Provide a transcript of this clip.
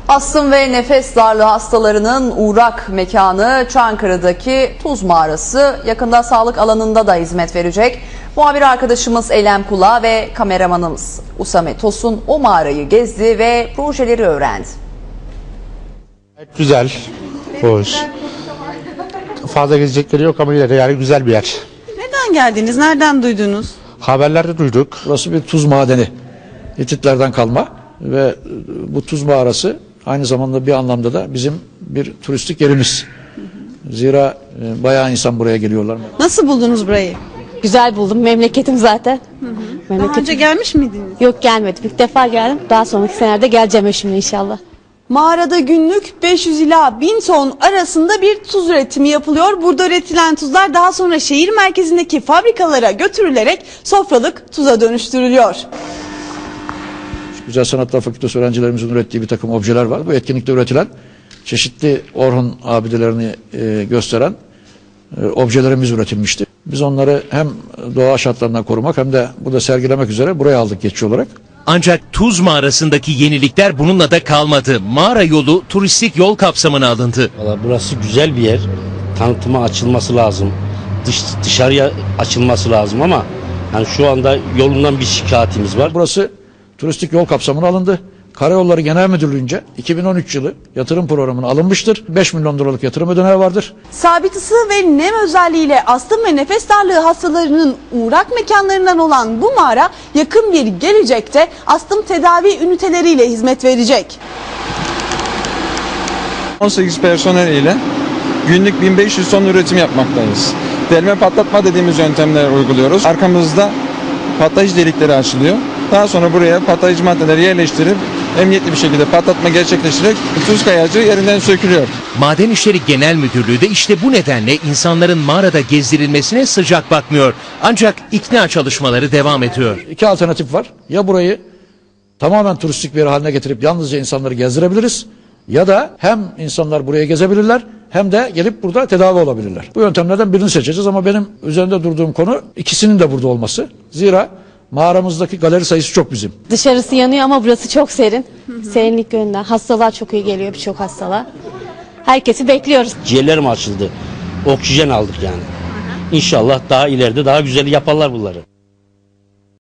Astım ve nefes darlığı hastalarının uğrak mekanı Çankırı'daki Tuz Mağarası yakında sağlık alanında da hizmet verecek. Muhabir arkadaşımız Eylem Kula ve kameramanımız Usame Tosun o mağarayı gezdi ve projeleri öğrendi. Güzel, hoş. Fazla gezecekleri yok ama yine de yani güzel bir yer. Neden geldiniz? Nereden duydunuz? Haberlerde duyduk. Burası bir tuz madeni. Hititlerden kalma ve bu tuz mağarası aynı zamanda bir anlamda da bizim bir turistik yerimiz. Zira bayağı insan buraya geliyorlar. Nasıl buldunuz burayı? Güzel buldum. Memleketim zaten. Daha önce gelmiş miydiniz? Yok, gelmedim. İlk defa geldim. Daha sonraki senelerde geleceğim şimdi inşallah. Mağarada günlük 500 ila 1000 ton arasında bir tuz üretimi yapılıyor. Burada üretilen tuzlar daha sonra şehir merkezindeki fabrikalara götürülerek sofralık tuza dönüştürülüyor. Güzel Sanatlar Fakültesi öğrencilerimizin ürettiği bir takım objeler var. Bu etkinlikte üretilen çeşitli Orhun abidelerini gösteren objelerimiz üretilmişti. Biz onları hem doğa şartlarından korumak hem de burada sergilemek üzere buraya aldık geçici olarak. Ancak Tuz Mağarası'ndaki yenilikler bununla da kalmadı. Mağara yolu turistik yol kapsamına alındı. Vallahi burası güzel bir yer. Tanıtıma açılması lazım. Dışarıya açılması lazım ama yani şu anda yolundan bir şikayetimiz var. Burası turistik yol kapsamına alındı. Karayolları Genel Müdürlüğü'nce 2013 yılı yatırım programına alınmıştır. 5 milyon liralık yatırım ödeneği vardır. Sabit ısı ve nem özelliğiyle astım ve nefes darlığı hastalarının uğrak mekanlarından olan bu mağara yakın bir gelecekte astım tedavi üniteleriyle hizmet verecek. 18 personel ile günlük 1500 ton üretim yapmaktayız. Delme patlatma dediğimiz yöntemler uyguluyoruz. Arkamızda patlayıcı delikleri açılıyor. Daha sonra buraya patlayıcı maddeleri yerleştirip emniyetli bir şekilde patlatma gerçekleştirerek tuz kayacı yerinden sökülüyor. Maden İşleri Genel Müdürlüğü de işte bu nedenle insanların mağarada gezdirilmesine sıcak bakmıyor. Ancak ikna çalışmaları devam ediyor. İki alternatif var. Ya burayı tamamen turistik bir yer haline getirip yalnızca insanları gezdirebiliriz. Ya da hem insanlar buraya gezebilirler hem de gelip burada tedavi olabilirler. Bu yöntemlerden birini seçeceğiz ama benim üzerinde durduğum konu ikisinin de burada olması. Zira mağaramızdaki galeri sayısı çok bizim. Dışarısı yanıyor ama burası çok serin. Serinlik yönünden. Hastalar çok iyi geliyor, birçok hastalar. Herkesi bekliyoruz. Ciğerlerim açıldı. Oksijen aldık yani. İnşallah daha ileride daha güzel yaparlar bunları.